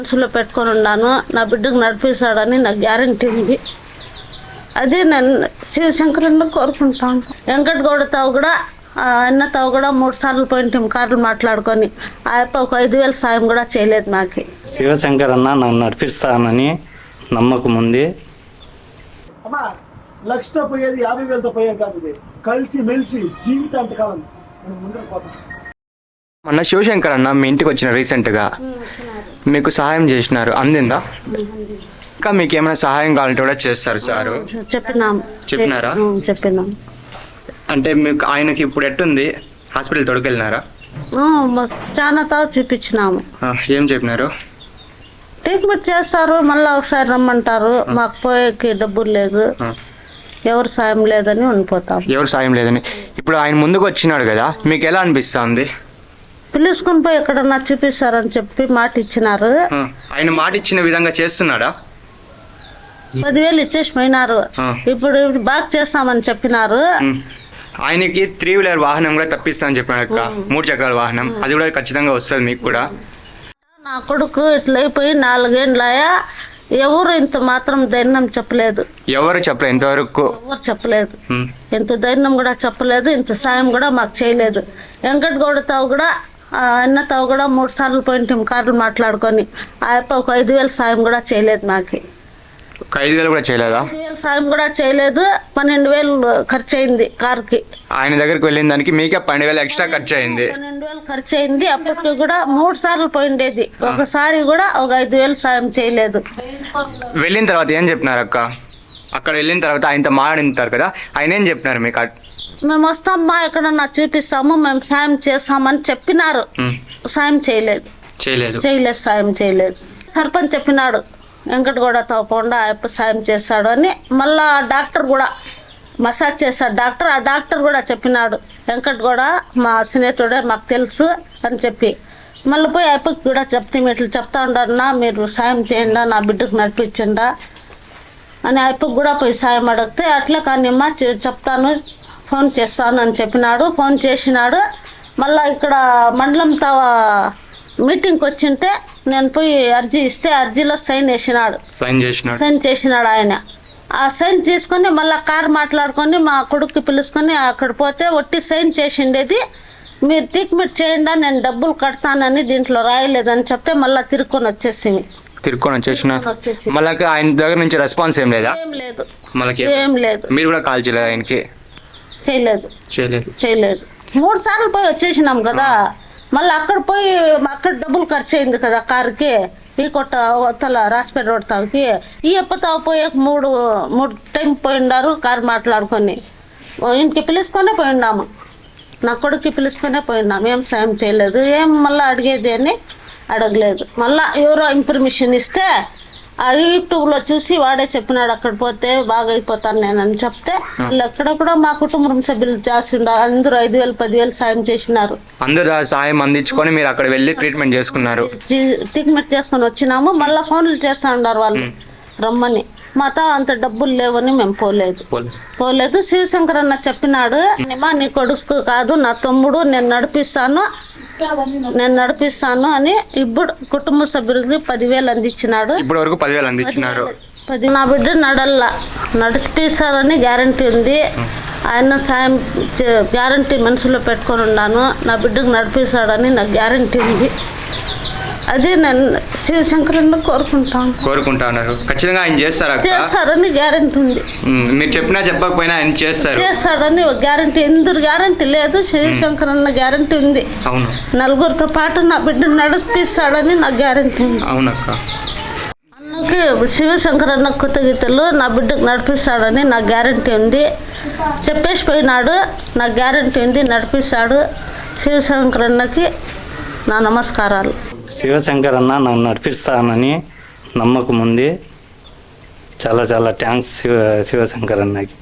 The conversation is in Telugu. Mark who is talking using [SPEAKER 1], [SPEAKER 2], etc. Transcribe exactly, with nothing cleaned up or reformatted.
[SPEAKER 1] మనసులో పెట్టుకొని ఉన్నాను. నా బిడ్డకు నడిపిస్తాడని నాకు గ్యారంటీ ఉంది. అదే నేను శివశంకరన్న కోరుకుంటాను. వెంకటగౌడతో కూడా అన్నతో కూడా మూడు సార్లు పోయింటాం కార్లు మాట్లాడుకొని. ఆ యొక్క ఒక ఐదు వేల సాయం కూడా చేయలేదు నాకు.
[SPEAKER 2] శివశంకరన్న నన్ను నడిపిస్తానని నమ్మకం ఉంది.
[SPEAKER 3] లక్షతో పోయేది యాభై వేలతో పోయేది కాదు. ఇది కలిసి మెలిసి జీవితాంతకాలం ముందుకు పోతాం.
[SPEAKER 4] మొన్న శివశంకర్ అన్న మీ ఇంటికి వచ్చిన రీసెంట్గా మీకు సహాయం చేసినారు, అందిందా? ఇంకా మీకు ఏమైనా సహాయం కావాలంటే కూడా చేస్తారు సారు.
[SPEAKER 1] చెప్పినాం.
[SPEAKER 4] చెప్పినారా?
[SPEAKER 1] చెప్పినాం.
[SPEAKER 4] అంటే మీకు ఆయనకి ఇప్పుడు ఎట్టుంది? హాస్పిటల్ తొడుకెళ్ళినారా?
[SPEAKER 1] చాలా తావు చూపించినాము.
[SPEAKER 4] ఏం చెప్పినారు?
[SPEAKER 1] ట్రీట్మెంట్ చేస్తారు, మళ్ళీ ఒకసారి రమ్మంటారు. మాకు పోయేకి డబ్బులు లేదు, ఎవరు సాయం లేదని ఉండిపోతాం.
[SPEAKER 4] ఎవరు సాయం లేదని. ఇప్పుడు ఆయన ముందుకు వచ్చినాడు కదా, మీకు ఎలా అనిపిస్తుంది?
[SPEAKER 1] పిలుచుకుని పోయి ఎక్కడన్నా చూపిస్తారని చెప్పి మాట ఇచ్చినారు.
[SPEAKER 4] ఆయన మాట ఇచ్చిన విధంగా చేస్తున్నాడా?
[SPEAKER 1] పదివేలు ఇచ్చేసి పోయినారు. ఇప్పుడు బాగా చేస్తామని చెప్పినారు.
[SPEAKER 4] ఆయనకి త్రీ వీలర్ వాహనం కూడా తప్పిస్తామని చెప్పినారు, మూడు చక్రాల వాహనం. అది కూడా ఖచ్చితంగా వస్తుంది మీకు కూడా.
[SPEAKER 1] నా కొడుకు ఇట్లా అయిపోయి నాలుగేండ్లయా ఎవరు ఇంత మాత్రం ధైర్యం చెప్పలేదు.
[SPEAKER 4] ఎవరు చెప్పలేదు ఇంతవరకు?
[SPEAKER 1] ఎవరు చెప్పలేదు. ఇంత ధైర్యం కూడా చెప్పలేదు, ఇంత సాయం కూడా మాకు చేయలేదు. వెంకటగౌడతో కూడా అన్నతో కూడా మూడు సార్లు పోయింటాం కార్లు మాట్లాడుకొని. ఆ యొక్క ఒక ఐదు వేల సాయం కూడా చేయలేదు మాకు.
[SPEAKER 4] ఒక ఐదు వేలు కూడా చేయలేదా?
[SPEAKER 1] ఐదు వేలు సాయం కూడా చేయలేదు. పన్నెండు వేలు ఖర్చు అయింది కారుకి.
[SPEAKER 4] ఆయన దగ్గరికి వెళ్ళిన దానికి మీకే పన్నెండు వేలు ఎక్స్ట్రా ఖర్చు అయింది.
[SPEAKER 1] పన్నెండు వేలు ఖర్చు అయింది. అప్పటికి కూడా మూడు సార్లు పోయిండేది, ఒకసారి కూడా ఒక ఐదు వేలు సాయం చేయలేదు.
[SPEAKER 4] వెళ్ళిన తర్వాత ఏం చెప్పినారు అక్క? అక్కడ వెళ్ళిన తర్వాత ఆయనతో మాట్లాడింటారు కదా, ఆయన ఏం చెప్పినారు మీకు?
[SPEAKER 1] మేము వస్తామమ్మా, ఎక్కడన్నా చూపిస్తాము, మేము సాయం చేస్తామని చెప్పినారు. సాయం చేయలేదు.
[SPEAKER 4] చేయలేదు
[SPEAKER 1] చేయలేదు సాయం చేయలేదు. సర్పంచ్ చెప్పినాడు వెంకటగౌడతో పోండా సాయం చేస్తాడు అని. మళ్ళా డాక్టర్ కూడా మసాజ్ చేశాడు డాక్టర్. ఆ డాక్టర్ కూడా చెప్పినాడు వెంకటగౌడ మా స్నేహితుడే, మాకు తెలుసు అని చెప్పి. మళ్ళీ పోయి అయిపోయి కూడా చెప్తే ఇట్లా చెప్తా ఉండన్నా, మీరు సాయం చేయండి, నా బిడ్డకు నడిపించండా అని అయిపోయి కూడా పోయి సాయం అడిగితే, అట్లే కానీ అమ్మా చెప్తాను, ఫోన్ చేస్తాను అని చెప్పినాడు. ఫోన్ చేసినాడు. మళ్ళీ ఇక్కడ మండలంతో మీటింగ్కి వచ్చింటే నేను పోయి అర్జీ ఇస్తే అర్జీలో సైన్ వేసినాడు.
[SPEAKER 4] సైన్ చేసినాడు
[SPEAKER 1] సైన్ చేసినాడు ఆయన. ఆ సైన్ చేసుకొని మళ్ళీ కారు మాట్లాడుకొని మా కొడుకు పిలుచుకొని అక్కడ పోతే ఒట్టి సైన్ చేసిండేది. మీరు ట్రీట్మెంట్ చేయండి, నేను డబ్బులు కడతానని దీంట్లో రాయలేదని చెప్తే మళ్ళీ తిరుక్కొని వచ్చేసింది.
[SPEAKER 4] తిరుక్కొని వచ్చేసిన మళ్ళీ ఆయన దగ్గర నుంచి రెస్పాన్స్ ఏం లేదా?
[SPEAKER 1] ఏం లేదు,
[SPEAKER 4] మళ్ళీ
[SPEAKER 1] ఏం లేదు.
[SPEAKER 4] మీరు కూడా కాల్ చేయలేదు ఆయనకి?
[SPEAKER 1] చేయలేదు
[SPEAKER 4] చేయలేదు
[SPEAKER 1] చేయలేదు మూడు సార్లు పోయి వచ్చేసినాం కదా. మళ్ళీ అక్కడ పోయి అక్కడ డబ్బులు ఖర్చు అయింది కదా కారుకి. ఈ కొట్ట తల రాసిపేట రోడ్ తాకి ఈ ఎప్పతో పోయి మూడు మూడు టైం పోయిండారు కారు మాట్లాడుకొని. ఇంటికి పిలుచుకొనే పోయినాము, నా కొడుకు పిలుచుకొనే పోయినాము. ఏం సాయం చేయలేదు, ఏం మళ్ళీ అడిగేది అని అడగలేదు. మళ్ళీ ఎవరో ఇన్ఫర్మేషన్ ఇస్తే ఆ యూట్యూబ్లో చూసి వాడే చెప్పినాడు అక్కడ పోతే బాగా అయిపోతాను నేనని చెప్తే, వాళ్ళు ఎక్కడ కూడా మా కుటుంబం సభ్యులు చేస్తుండ అందరూ ఐదు వేలు పదివేలు సాయం చేసినారు.
[SPEAKER 4] అందరూ సాయం అందించుకొని మీరు అక్కడ వెళ్ళి ట్రీట్మెంట్ చేసుకున్నారు.
[SPEAKER 1] ట్రీట్మెంట్ చేసుకొని వచ్చినాము. మళ్ళీ ఫోన్లు చేస్తా ఉన్నారు వాళ్ళు రమ్మని. మాతో అంత డబ్బులు లేవని మేము పోలేదు పోలేదు శివశంకర్ అన్న చెప్పినాడు, నీ కొడుకు కాదు నా తమ్ముడు, నేను నడిపిస్తాను నేను నడిపిస్తాను అని ఇప్పుడు కుటుంబ సభ్యులకి పదివేలు అందించినాడు.
[SPEAKER 4] ఇప్పటి వరకు పదివేలు అందించినారు.
[SPEAKER 1] పది నా బిడ్డ నడల్లా నడిపిస్తారని గ్యారంటీ ఉంది. ఆయన సాయం గ్యారంటీ మనసులో పెట్టుకొని ఉన్నాను. నా బిడ్డకు నడిపిస్తాడని నాకు గ్యారంటీ ఉంది. అదే నేను శివశంకరన్న కోరుకుంటాను
[SPEAKER 4] కోరుకుంటున్నారు ఖచ్చితంగా ఆయన చేస్తారు
[SPEAKER 1] చేస్తారని గ్యారంటీ ఉంది.
[SPEAKER 4] మీరు చెప్పినా చెప్పకపోయినా ఆయన చేస్తారు
[SPEAKER 1] చేస్తారని గ్యారంటీ. ఎందుకు గ్యారంటీ లేదు, శివశంకరన్న గ్యారంటీ ఉంది.
[SPEAKER 4] అవును,
[SPEAKER 1] నలుగురితో పాటు నా బిడ్డ నడిపిస్తాడని నాకు గ్యారంటీ ఉంది.
[SPEAKER 4] అవునక్క.
[SPEAKER 1] అన్నకి శివశంకరన్న కొత్త గీతలు నా బిడ్డకు నడిపిస్తాడని నాకు గ్యారంటీ ఉంది. చెప్పేసి పోయినాడు, నాకు గ్యారంటీ ఉంది, నడిపిస్తాడు. శివశంకరన్నకి నా నమస్కారాలు.
[SPEAKER 2] శివశంకరన్న నన్ను నడిపిస్తానని నమ్మకం ఉంది. చాలా చాలా థ్యాంక్స్ శివ శివశంకరన్నకి.